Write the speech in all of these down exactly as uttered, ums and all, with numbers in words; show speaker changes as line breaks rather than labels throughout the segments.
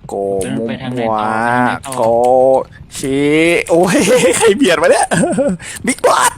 โกมุมวาโกชีโอ้ยใครเบียดมาเนี่ยบิ๊กบอส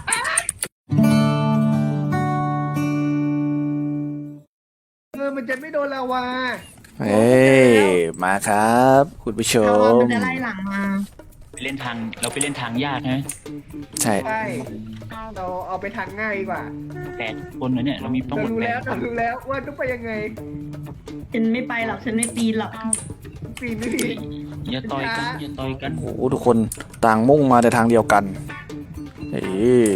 เออมันจะไม่โดนลาวา
เฮ้ยมาครับคุณผู้ช
เรา
ม
มันจะไล่หลังมา
ไปเล่นทางเราไปเล่นทางยากใช่ไหม
ใช่
ใช่เราเอาไปทางง่ายดีกว่า
แปดคนเลยเนี่ยเรามีทั้ง
เรา
หมด
รู้
แป
แล้
ด
ว
ค
เรา
น
รู้แล้วว่าต้องไปยังไง
ฉันไม่ไปหรอกฉันไม่ปีนหรอก
ปีนไม่ดี
อย่าต่อยกันอย่าต่อยกัน
โอ้โหทุกคนต่างมุ่งมาแต่ทางเดียวกันเฮ้ย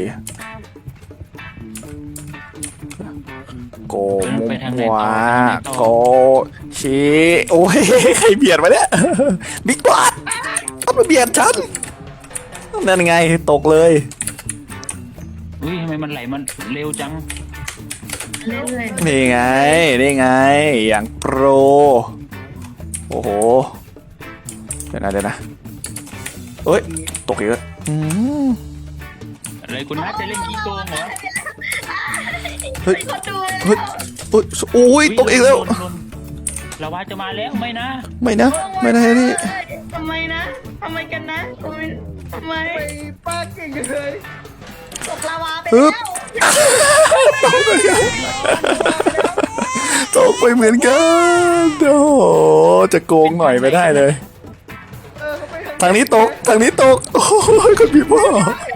โกมุมวาโกชีโอ้ยใครเบียดมาเนี่ยบิ๊กบอสต้องมาเบียดฉันนั่นไงตกเลย
อุ้ยทำไมมันไหลมันเร็วจัง
เล่นเลย
นี่ไงนี่ไงอย่างโปรโอ้โหเดี๋ยวนะเดี๋ยวนะเอ้ยตกอีกแล้วอืม
อะไรคุณนัทจะเล่นขี้โกงเหรอ
เฮ้ย
คนดู
เฮ้ยเฮ้ยโอ้ยตกอีกแล้ว
โดนโดนลาวาจะมาแล้วไม่นะ
ไม่นะไม่นะนี่
ทำไมนะทำไมกันนะทำไมทำไม
ไปป้าเก่งจังเลย
ตกลาวาไป
ฮึบ
แล้ว
ตกไปเหมือนกันโอ้โหจะโกงหน่อยไม่ได้เลย
เออเขาไป
ทางนี้ตกทางนี้ตกโอ้ยคนพี่พ่อ